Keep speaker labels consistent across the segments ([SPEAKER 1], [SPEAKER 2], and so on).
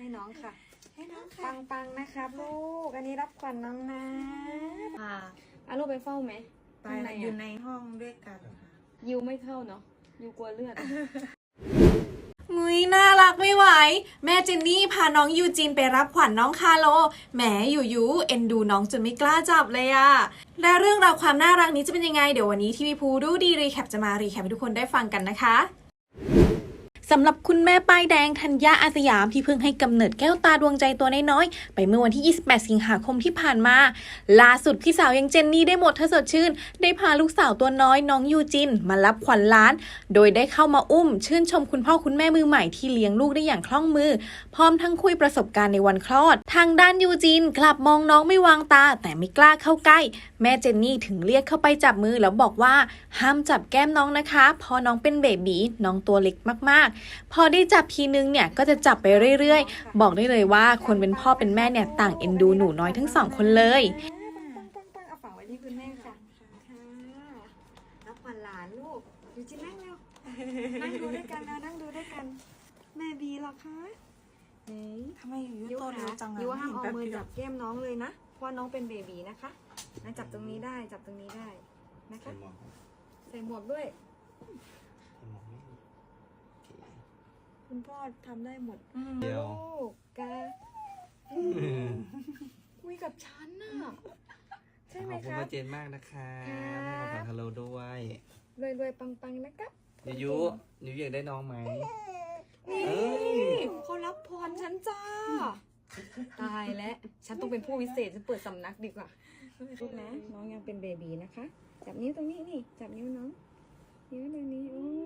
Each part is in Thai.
[SPEAKER 1] น้องค่ะ
[SPEAKER 2] ให้น้องค่ะ
[SPEAKER 1] ปังนะครับลูกอันนี้รับขวัญน้องนะอาลูกไปเฝ้าไหม
[SPEAKER 2] ไปอยู่ในห้องด้วยกันค่ะ
[SPEAKER 1] ยูไม่เข้าเนาะยูกลัวเลือด
[SPEAKER 3] มุ้ยน่ารักไม่ไหวแม่เจนนี่พาน้องยูจินไปรับขวัญน้องคาโลแหมอยู่เอ็นดูน้องจนไม่กล้าจับเลยอะและเรื่องราวความน่ารักนี้จะเป็นยังไงเดี๋ยววันนี้ทีวีพูดูดีรีแคปจะมารีแคปให้ทุกคนได้ฟังกันนะคะสำหรับคุณแม่ป้ายแดงธัญญาอาสยามที่เพิ่งให้กำเนิดแก้วตาดวงใจตัวน้อยๆไปเมื่อวันที่ 28 สิงหาคมที่ผ่านมาล่าสุดพี่สาวยังเจนนี่ได้หมดถ้าสดชื่นได้พาลูกสาวตัวน้อยน้องยูจินมารับขวัญหลานโดยได้เข้ามาอุ้มชื่นชมคุณพ่อคุณแม่มือใหม่ที่เลี้ยงลูกได้อย่างคล่องมือพร้อมทั้งคุยประสบการณ์ในวันคลอดทางด้านยูจินกลับมองน้องไม่วางตาแต่ไม่กล้าเข้าใกล้แม่เจนนี่ถึงเรียกเข้าไปจับมือแล้วบอกว่าห้ามจับแก้มน้องนะคะเพราะน้องเป็นเบบีน้องตัวเล็กมากๆพอได้จับทีนึงเนี่ยก็จะจับไปเรื่อยๆบอกได้เลยว่าคนเป็นพ่อเป็นแม่เนี่ยต่างเอ็นดูหนูน้อยทั้งสองคนเลย
[SPEAKER 1] ปังเอาฝากไว้ที่คุณแม่ค่ะรับขวัญหลานลูกยูจินนั่งเร็วนั่งดูด้วยกันนะนั่งดูด้วยกันแม่บีหรอคะ
[SPEAKER 2] ทำไมอยู่ตัวเร็วจังอะ
[SPEAKER 1] ยูห้ามเอามือจับแก้มน้องเลยนะเพราะน้องเป็นเบบีนะคะนะจับตรงนี้ได้จับตรงนี้ได้นะคะใส่หมวกด้วยคุณพ่อทำได้หมด
[SPEAKER 4] เดียว
[SPEAKER 1] ลูกกะคุยกับฉันน่ะใช่ไหม
[SPEAKER 4] ขอบคุณ
[SPEAKER 1] คะ
[SPEAKER 4] มาเจนมากนะคะให้ของขวัญฮัลโหลด้วย
[SPEAKER 1] รวยปังนะครับ
[SPEAKER 4] ยูอยากได้น้องไหม
[SPEAKER 1] นี่เขารับพรฉันจ้าตายแล้วฉันต้องเป็นผู้วิเศษฉันเปิดสำนักดีกว่าลูกนะน้องยังเป็นเบบีนะคะจับนิ้วตรงนี้นี่จับนิ้วน้องนิ้วตรงนี้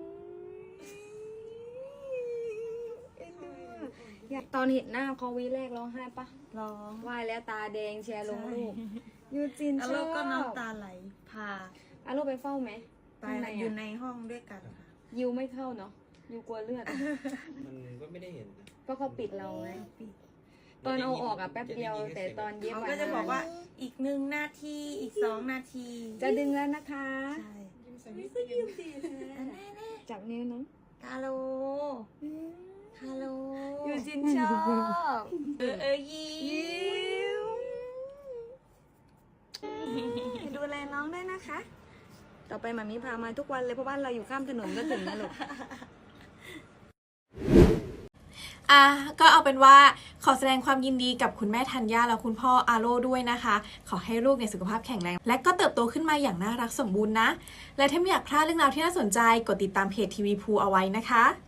[SPEAKER 1] อยากตอนเห็นหน้าเขาวีแรกร้องไห้ปะ
[SPEAKER 2] ร้อง
[SPEAKER 1] ไหวแล้วตาแดงแชร์ลงลูกยูจินชอบ
[SPEAKER 2] แล้วก็น้ำตาไหลพา
[SPEAKER 1] อาลูกไปเฝ้าไหม
[SPEAKER 2] ไปอยู่ในห้องด้วยกันค่ะ
[SPEAKER 1] ยูไม่เข้าเนาะยูกลัวเลือด
[SPEAKER 4] มันก็ไม่ได้เห็นนะ
[SPEAKER 1] ก็เขาปิดเราไงตอนเอาออกอะแป๊บเดียวแต่ตอนเย็บ
[SPEAKER 2] เขาก็จะบอกว่าอีก1 นาทีอีก2 นาที
[SPEAKER 1] จะดึงแล้วนะคะ
[SPEAKER 2] ใช่
[SPEAKER 1] จับนิ้วน้อง
[SPEAKER 2] ฮัลโหลฮัลโหล
[SPEAKER 1] ยูจินชอบ
[SPEAKER 2] ยิ้ม
[SPEAKER 1] ดูแลน้องด้วยนะคะ ต่อไปหมามีพามาทุกวันเลยเพราะบ้านเราอยู่ข้ามถนนก็ถึงนะลูก
[SPEAKER 3] ก็เอาเป็นว่าขอแสดงความยินดีกับคุณแม่ธัญญาและคุณพ่ออาโร่ด้วยนะคะขอให้ลูกในสุขภาพแข็งแรงและก็เติบโตขึ้นมาอย่างน่ารักสมบูรณ์นะและถ้าไม่อยากพลาดเรื่องราวที่น่าสนใจกดติดตามเพจทีวีพูเอาไว้นะคะ